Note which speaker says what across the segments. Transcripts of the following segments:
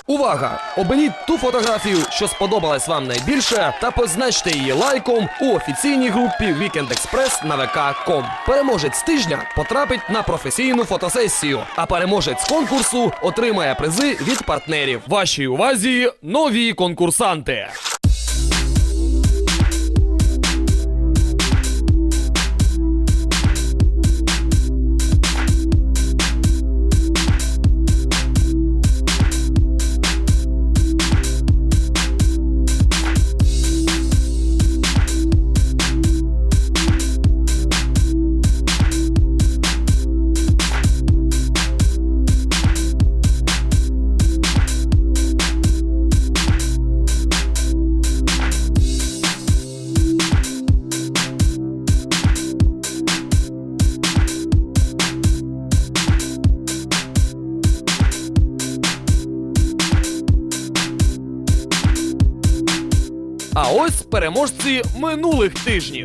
Speaker 1: Увага! Оберіть ту фотографію, що сподобалась вам найбільше, та позначте її лайком у офіційній групі Weekend Express на vk.com. Переможець тижня потрапить на професійну фотосесію, а переможець конкурсу отримає призи від партнерів. Вашій увазі нові конкурсанти! А ось переможці минулих тижнів.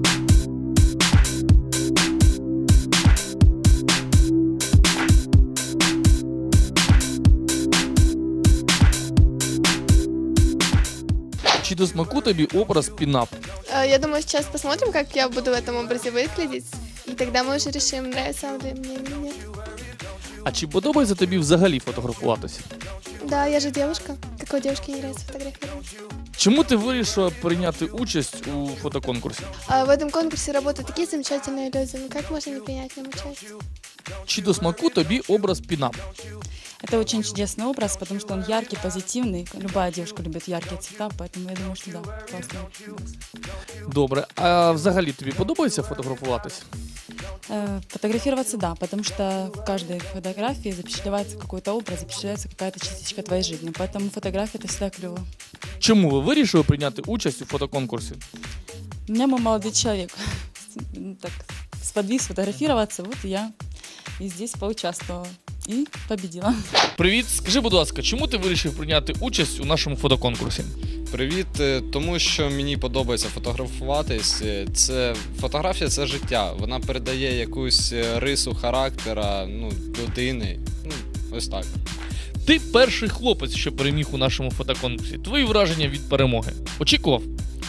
Speaker 2: Чи до смаку тобі образ пінап?
Speaker 3: Я думаю, сейчас посмотрим, как я буду в этом образе выглядеть, и тогда мы уже решим, нравится он ли мне или нет.
Speaker 2: А чи подобається тобі взагалі фотографуватися?
Speaker 3: Да, я же девушка. Какой девушке не нравится фотографироваться?
Speaker 2: Чому ти вирішила прийняти участь у фотоконкурсі?
Speaker 3: А в этом конкурсе работают такие замечательные люди. Ну как можно не принять в нем участие?
Speaker 2: Чи до смаку тобі образ пінап?
Speaker 4: Это очень чудесный образ, потому что он яркий, позитивный. Любая девушка любит яркие цвета, поэтому я думаю, что да, классный образ.
Speaker 2: Добре. А взагалі тобі подобається фотографуватися?
Speaker 4: Фотографироваться, да, потому что в каждой фотографии запечатлевается какой-то образ, запечатляется какая-то частичка твоей жизни. Поэтому фотография — это всегда клево.
Speaker 2: Чому ви вирішили прийняти участь у фотоконкурсі?
Speaker 4: У меня мой молодой человек так сподвиг сфотографироваться, вот я и здесь поучаствовала и победила.
Speaker 2: Привіт, скажи, будь ласка, чому ти вирішив прийняти участь у нашому фотоконкурсі?
Speaker 5: Привіт, тому що мені подобається фотографуватись. Фотографія це життя. Вона передає якусь рису характера, людини. Ось так.
Speaker 2: Ти перший хлопець, що переміг у нашому фотоконкурсі. Твої враження від перемоги? Очікував?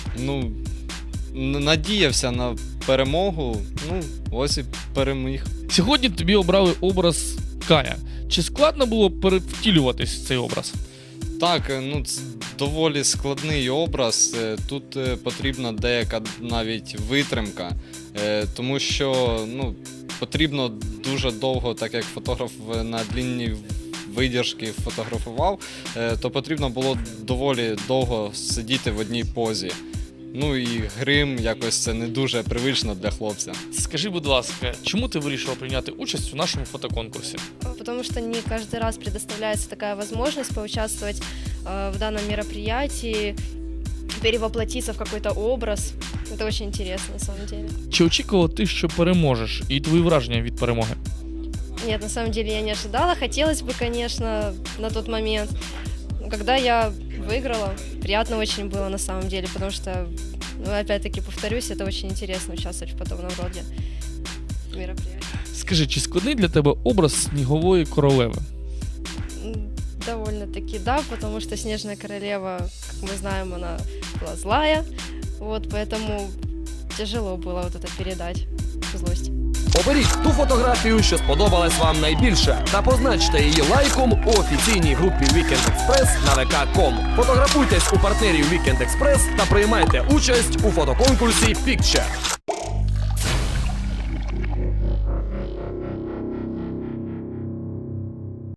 Speaker 5: Надіявся на перемогу, ось і переміг.
Speaker 2: Сьогодні тобі обрали образ Кая. Чи складно було перевтілюватись в цей образ?
Speaker 5: Так, це доволі складний образ. Тут потрібна деяка навіть витримка, тому що потрібно дуже довго, так як фотограф на длінній видержки фотографував, то потрібно було доволі довго сидіти в одній позі. І грим якось це не дуже привично для хлопця.
Speaker 2: Скажи, будь ласка, чому ти вирішила прийняти участь у нашому фотоконкурсі?
Speaker 6: Потому что не каждый раз предоставляется такая возможность поучаствовать в данном мероприятии, перевоплотиться в какой-то образ. Это очень интересно, на самом деле.
Speaker 2: Чи очікувала ти, що переможеш, і твої враження від перемоги?
Speaker 6: Нет, на самом деле я не ожидала. Хотелось бы, конечно, на тот момент. Но когда я выиграла, приятно очень было на самом деле, потому что, опять-таки повторюсь, это очень интересно участвовать в подобном роде мероприятий.
Speaker 2: Скажи, чи складний для тебе образ снігової королеви?
Speaker 6: Довольно-таки да, потому что Снежная королева, как мы знаем, она была злая, поэтому тяжело было это передать, злость.
Speaker 1: Оберіть ту фотографію, що сподобалась вам найбільше, та позначте її лайком у офіційній групі Weekend Express на vk.com. Фотографуйтесь у партнерів Weekend Express та приймайте участь у фотоконкурсі Picture.